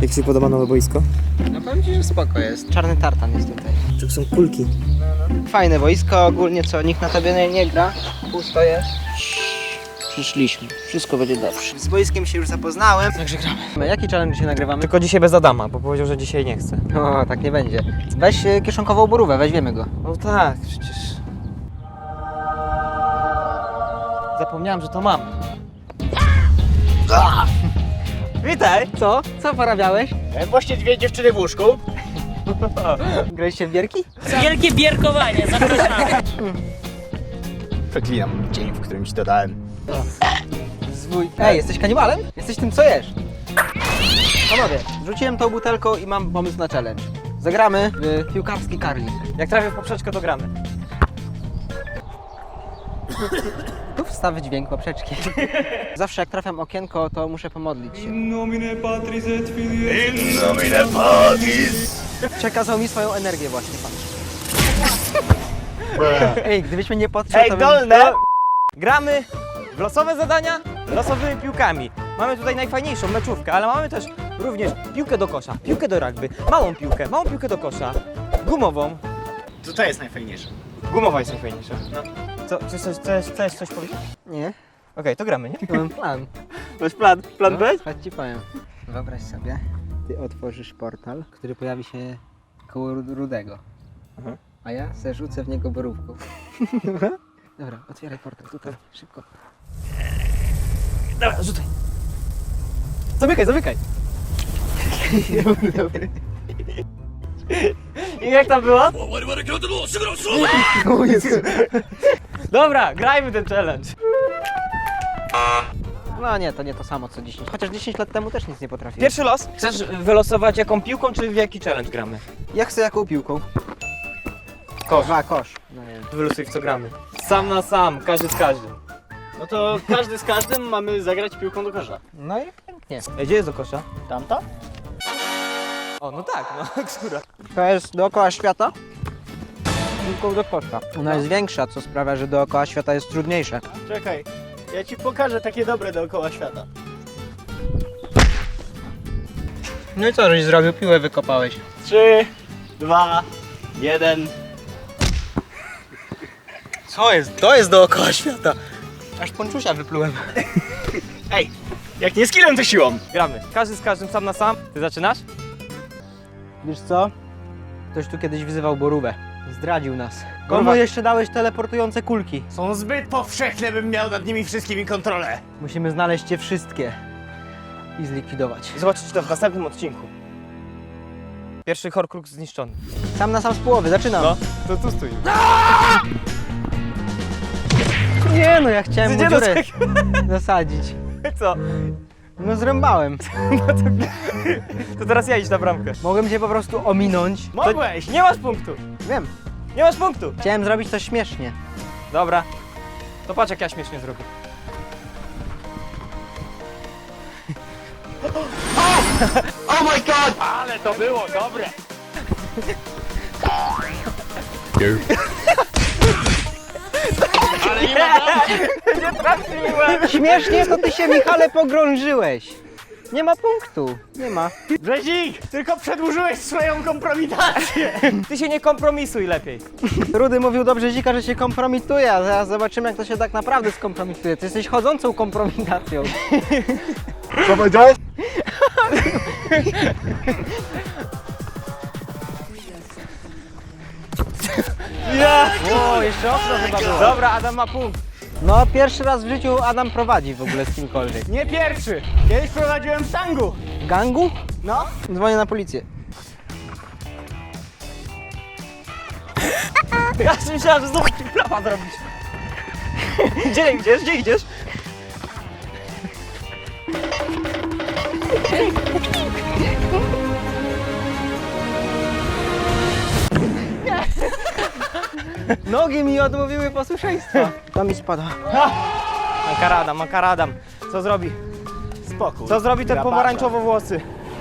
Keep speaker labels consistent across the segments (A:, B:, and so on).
A: Jak Ci się podoba nowe boisko?
B: No powiem Ci, że spoko jest. Czarny tartan jest tutaj.
A: Tu są kulki.
B: Fajne boisko, ogólnie co, nikt na tobie nie gra. Pusto jest. Przyszliśmy. Wszystko będzie dobrze. Z boiskiem się już zapoznałem. Także gramy. Jaki challenge dzisiaj nagrywamy?
A: Tylko dzisiaj bez Adama, bo powiedział, że dzisiaj nie chce.
B: No, tak nie będzie. Weź kieszonkową borówę, weźmiemy go.
A: No tak, przecież... Zapomniałem, że to mam. Witaj!
B: Co? Co porabiałeś?
C: Właśnie dwie dziewczyny w łóżku.
B: Graliście w bierki?
D: Wielkie bierkowanie, zapraszamy.
C: Przeklinam dzień, w którym ci to dałem.
B: Ej, jesteś kanibalem? Jesteś tym, co jesz. Panowie, rzuciłem tą butelką i mam pomysł na challenge. Zagramy w piłkarski karling.
A: Jak trafię w poprzeczkę, to gramy.
B: Tu wstaw dźwięk poprzeczki. Zawsze jak trafiam okienko, to muszę pomodlić się. Przekazał mi swoją energię właśnie pan. Ej, gdybyśmy nie podszedł,
C: Ej,
B: to
C: dolne!
A: Gramy w losowe zadania losowymi piłkami. Mamy tutaj najfajniejszą meczówkę, ale mamy też również piłkę do kosza, piłkę do rugby, małą piłkę do kosza, gumową.
C: To jest najfajniejsze.
A: Gumowa jest najfajniejsza. No. Co, chcesz coś powiedzieć?
B: Nie,
A: Okej, to gramy, nie?
B: to mam plan.
A: Masz plan? Plan B?
B: Chodź ci powiem. Wyobraź sobie, ty otworzysz portal, który pojawi się koło Rudego.
A: Mhm.
B: A ja se rzucę w niego borówką. Dobra, otwieraj portal, tutaj, szybko.
A: Dobra, rzucaj. Zamykaj. I jak tam było? Dobra, grajmy ten challenge.
B: No nie, to nie to samo co 10. Chociaż 10 lat temu też nic nie potrafiłem.
A: Pierwszy los. Chcesz wylosować jaką piłką, czy w jaki challenge gramy?
B: Ja chcę jaką piłką?
A: Kosz.
B: Kosz. No nie wiem.
A: Wylosuj w co gramy. Sam na sam, każdy z każdym.
C: No to każdy z każdym mamy zagrać piłką do kosza.
B: No i pięknie.
A: Ej, gdzie jest do kosza?
C: Tamta?
A: O, no tak, no, która?
B: To jest dookoła świata? Piłką do kosza. Ona jest większa, co sprawia, że dookoła świata jest trudniejsze.
C: Czekaj, ja ci pokażę takie dobre dookoła świata.
B: No i co, żeś zrobił? Piłę wykopałeś.
C: 3, 2, 1.
B: Co jest? To jest dookoła świata. Aż ponczusia wyplułem.
C: Ej, jak nie skillem, to siłą.
A: Gramy. Każdy z każdym, sam na sam. Ty zaczynasz?
B: Wiesz co? Ktoś tu kiedyś wyzywał borówę. Zdradził nas. Komu
A: Borówka-
B: jeszcze dałeś teleportujące kulki?
C: Są zbyt powszechne, bym miał nad nimi wszystkimi kontrolę.
B: Musimy znaleźć je wszystkie i zlikwidować.
A: Zobaczycie to w następnym odcinku. Pierwszy Horcrux zniszczony.
B: Sam na sam z połowy, zaczynam.
A: No, to tu stój.
B: Nie no, ja chciałem mu
A: Gdzie
B: dziurę zasadzić.
A: Co?
B: No zrąbałem.
A: To teraz ja idź na bramkę.
B: Mogłem cię po prostu ominąć.
C: Mogłeś!
A: Nie masz punktu.
B: Wiem,
A: Nie masz punktu.
B: chciałem zrobić coś śmiesznie.
A: Dobra. To patrz jak ja śmiesznie zrobię.
C: Ale to było dobre! Ale nie ma
B: Śmiesznie to ty się, Michale, pogrążyłeś. Nie ma punktu. Nie ma.
C: Brzezik, tylko przedłużyłeś swoją kompromitację.
A: Ty się nie kompromisuj lepiej.
B: Rudy mówił do Brzezika, że się kompromituje, a zaraz zobaczymy, jak to się tak naprawdę skompromituje. Ty jesteś chodzącą kompromitacją.
C: Co powiedziałeś?
A: Ja.
B: O, jeszcze okno chyba było.
A: Dobra, Adam ma punkt.
B: No, pierwszy raz w życiu Adam prowadzi w ogóle z kimkolwiek.
C: Nie pierwszy. Kiedyś prowadziłem w tangu.
B: W gangu?
C: No.
B: Dzwonię na policję.
A: Ja myślałem, że znowu prawa zrobić. Gdzie idziesz? Gdzie idziesz?
B: Nogi mi odmówiły posłuszeństwa. To mi spada.
A: Makaradam. Co zrobi?
C: Spokój.
A: Co zrobi te
C: Grabarza.
A: pomarańczowo włosy?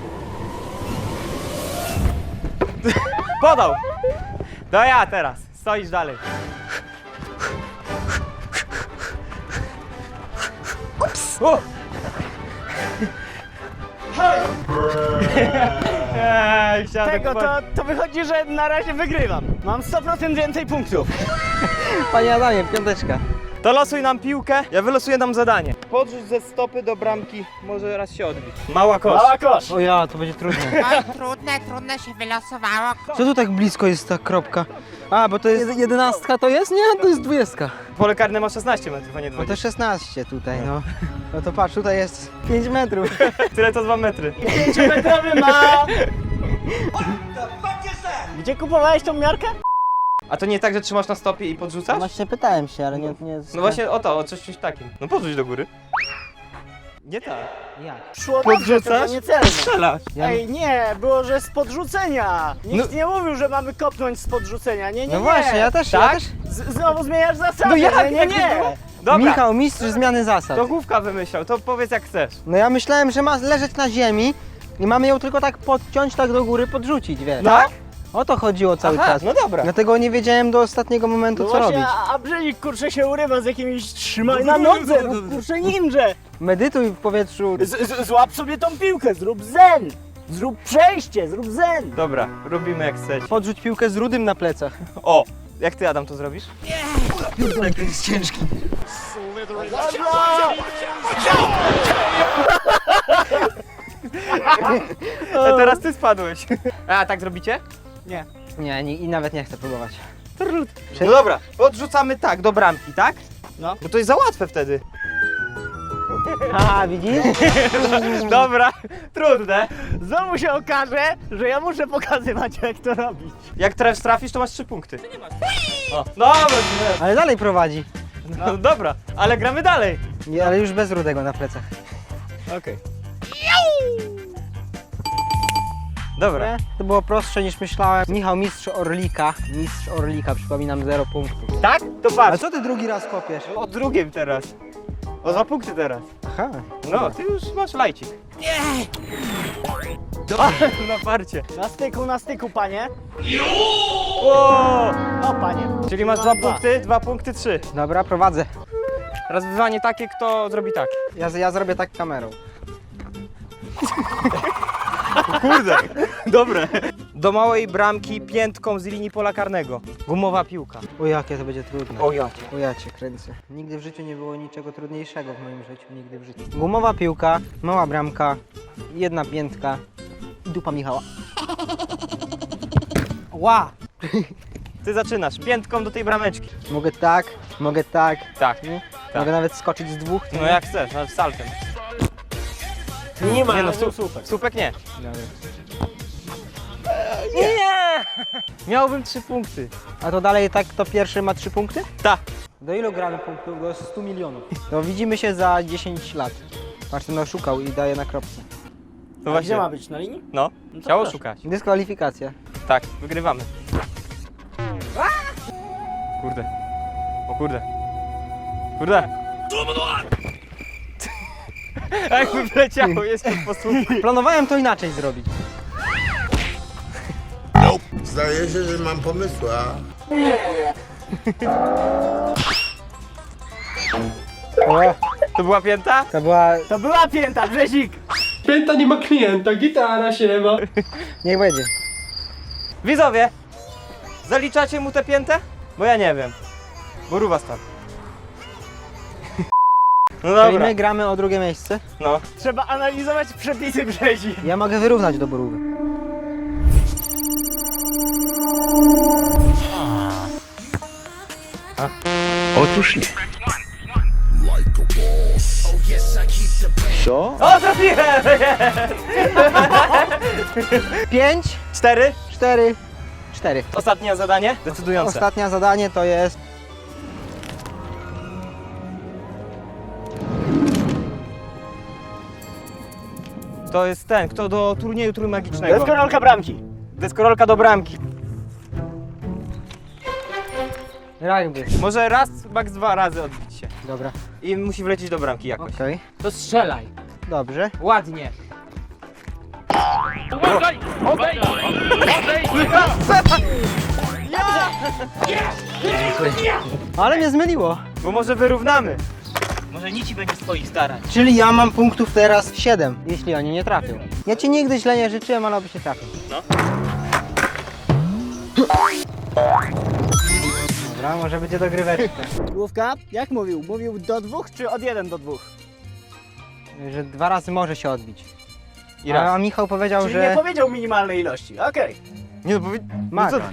A: Podał! To ja teraz. Stoisz dalej.
C: Tego, to wychodzi, że na razie wygrywam. Mam 100% więcej punktów.
B: Panie Adamie, piąteczka.
A: To losuj nam piłkę, ja wylosuję nam zadanie. Podrzuć ze stopy do bramki, może raz się odbić. Mała kosz.
C: Mała kosz.
B: O ja, to będzie trudne.
E: Oj, trudne się wylosowało.
B: Co tu tak blisko jest ta kropka? A, bo to jest 11 to jest? Nie, to jest 20.
A: Pole karne ma 16 metrów, a nie
B: No
A: 20.
B: to 16 tutaj, no. No to patrz, tutaj jest 5 metrów.
A: Tyle to 2 metry.
C: 5-metrowy ma... Gdzie kupowałeś tą miarkę?
A: A to nie tak, że trzymasz na stopie i podrzucasz?
B: Właśnie pytałem się, ale nie...
A: No właśnie o to, o coś takim. No podrzuć do góry. Nie tak.
B: Jak?
C: Szło dobrze,
A: Podrzucasz?
C: to nie celne.
A: Strzelasz.
C: Ej, nie, było, że z podrzucenia. Nikt nie mówił, że mamy kopnąć z podrzucenia. Nie, nie,
B: No
C: nie.
B: właśnie, ja też,
A: Tak?
B: ja też.
C: Znowu zmieniasz zasady.
A: No jak?
C: Nie,
A: Jak
C: nie.
A: było? Dobra,
B: Michał, mistrz zmiany zasad.
A: to Główka wymyślał, to powiedz jak chcesz.
B: No ja myślałem, że ma leżeć na ziemi i mamy ją tylko tak podciąć, tak do góry, podrzucić, wiesz.
A: Tak?
B: O to chodziło cały
A: Aha,
B: czas.
A: no dobra.
B: Dlatego nie wiedziałem do ostatniego momentu,
C: No
B: co
C: właśnie,
B: robić.
C: a Brzezik kurczę się urywa z jakimiś trzymaj na nodze, rób, kurczę ninja.
B: Medytuj w powietrzu.
C: Złap sobie tą piłkę, zrób zen. Zrób przejście, zrób zen.
A: Dobra, robimy jak chcesz.
B: Podrzuć piłkę z rudym na plecach.
A: O! Jak ty, Adam, to zrobisz? A teraz ty spadłeś. A tak zrobicie?
B: Nie, i nawet nie chcę próbować.
A: No dobra, odrzucamy tak, do bramki, tak?
C: No.
A: Bo to jest za łatwe wtedy.
B: Aha, widzisz?
A: Dobra, trudne.
C: Znowu się okaże, że ja muszę pokazywać jak to robić.
A: Jak trafisz, to masz 3 punkty. O, dobra,
B: Ale dalej prowadzi.
A: no dobra, ale gramy dalej.
B: Nie, ale już bez rudego na plecach.
A: Okej. Dobra.
B: Nie? To było prostsze niż myślałem. Michał, mistrz Orlika. Mistrz Orlika, przypominam, 0 punktów.
A: Tak? To
B: A
A: patrz.
B: co ty drugi raz kopiesz?
A: O drugim teraz. O 2 punkty teraz.
B: Aha.
A: No, ty już masz lajcik. Na parcie.
C: Na styku, panie.
A: O!
C: No, panie.
A: Czyli masz 2 punkty, 2 punkty, 3.
B: Dobra, prowadzę.
A: Teraz wyzwanie takie, kto zrobi tak.
B: Ja zrobię tak kamerą.
A: Kurde, dobre. Do małej bramki piętką z linii pola karnego. Gumowa piłka.
B: O jakie to będzie trudne.
A: O jakie.
B: O ja cię kręcę. Nigdy w życiu nie było niczego trudniejszego w moim życiu. Nigdy w życiu. Gumowa piłka, mała bramka, jedna piętka i dupa Michała. Ła!
A: Ty zaczynasz piętką do tej brameczki.
B: Mogę tak, mogę tak.
A: Tak.
B: Nie?
A: Tak.
B: Mogę nawet skoczyć z dwóch.
A: No jak chcesz, nawet saltem.
C: Nie ma,
A: Nie no,
C: super.
A: Słupek nie.
B: Dobra.
A: Nie! Miałbym 3 punkty.
B: A to dalej tak, to pierwszy ma 3 punkty?
A: Tak.
B: Do ilu gramy punktów? Do 100 milionów. To widzimy się za 10 lat. Patrz, ten oszukał i daje na kropce.
A: No
C: A
A: właśnie.
C: gdzie ma być, na linii?
A: No,
C: No to
A: chciało
C: proszę.
A: szukać.
B: Dyskwalifikacja.
A: Tak, wygrywamy. Kurde. O kurde. Kurde. Jakby wleciało, jest tu posłuch.
B: Planowałem to inaczej zrobić.
F: Zdaje się, że mam pomysła.
B: O,
A: To była pięta?
B: to była...
C: To była pięta, Brzezik.
G: Pięta nie ma klienta, gitara się ma.
B: Niech będzie.
A: Widzowie, zaliczacie mu tę piętę? Bo ja nie wiem. Borówa stan. No
B: Czyli
A: dobra.
B: my gramy o drugie miejsce.
A: No.
C: Trzeba analizować przepisy Brzezik.
B: Ja mogę wyrównać do Borówy.
A: O, trafiłem!
B: 5,
A: 4.
B: 4, 4.
A: Ostatnie zadanie? Decydujące.
B: Ostatnie zadanie to jest...
A: To jest ten, kto do turnieju trójmagicznego.
C: Deskorolka bramki.
A: Deskorolka do bramki.
B: Rugby.
A: Może raz, max 2 razy odbić się.
B: Dobra,
A: I musi wlecieć do bramki jakoś.
B: okej.
D: To strzelaj.
B: Dobrze.
D: Ładnie.
B: Ale mnie zmyliło.
A: Bo może wyrównamy. Może nic ci będzie z twoich starań.
B: Czyli ja mam punktów teraz 7, jeśli oni nie trafią. Ja ci nigdy źle nie życzyłem, ale oby się trafił.
A: No.
B: Dobra, może będzie dogryweczka.
C: Główka, jak mówił? Mówił do 2 czy od 1 do 2?
B: Że 2 razy może się odbić.
A: I raz.
B: A Michał powiedział,
C: Czyli
B: że...
C: nie powiedział minimalnej ilości, okej.
A: Nie no, powiedz...
B: Ma.
A: co-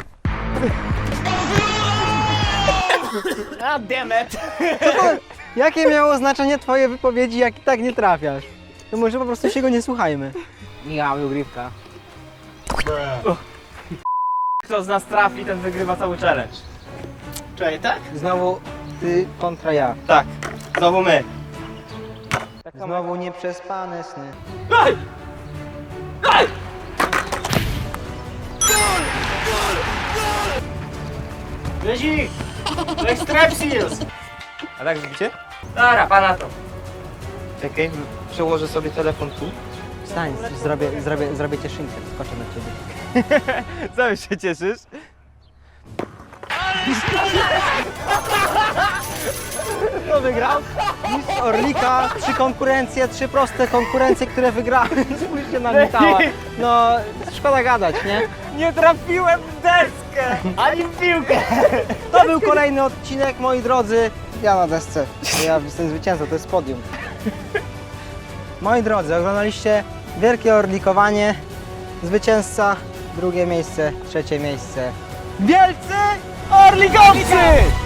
C: A damn it.
B: Jakie miało znaczenie twoje wypowiedzi, jak i tak nie trafiasz? To może po prostu się go nie słuchajmy. Michał, dogrywka.
A: Kto z nas trafi, ten wygrywa cały challenge.
C: Czekaj, tak?
B: Znowu ty kontra ja.
A: Tak, znowu my.
B: Znowu nieprzespane sny.
C: Wyzik! Strepsils!
A: A tak zrobicie? Dobra, pana to.
B: Czekaj, przełożę sobie telefon tu. Wstań, zrobię cieszynkę, skoczę na ciebie.
A: Co się cieszysz?
B: Kto wygrał? Mistrz Orlika, 3 konkurencje, 3 proste konkurencje, które wygrałem. Spójrzcie na Michała. No, szkoda gadać, nie?
A: Nie trafiłem w deskę!
C: Ani w piłkę!
B: To był kolejny odcinek, moi drodzy. Ja na desce. Ja jestem zwycięzcą, to jest podium. Moi drodzy, oglądaliście wielkie orlikowanie. Zwycięzca, 2 miejsce, 3 miejsce.
A: Wielcy Orlikowcy!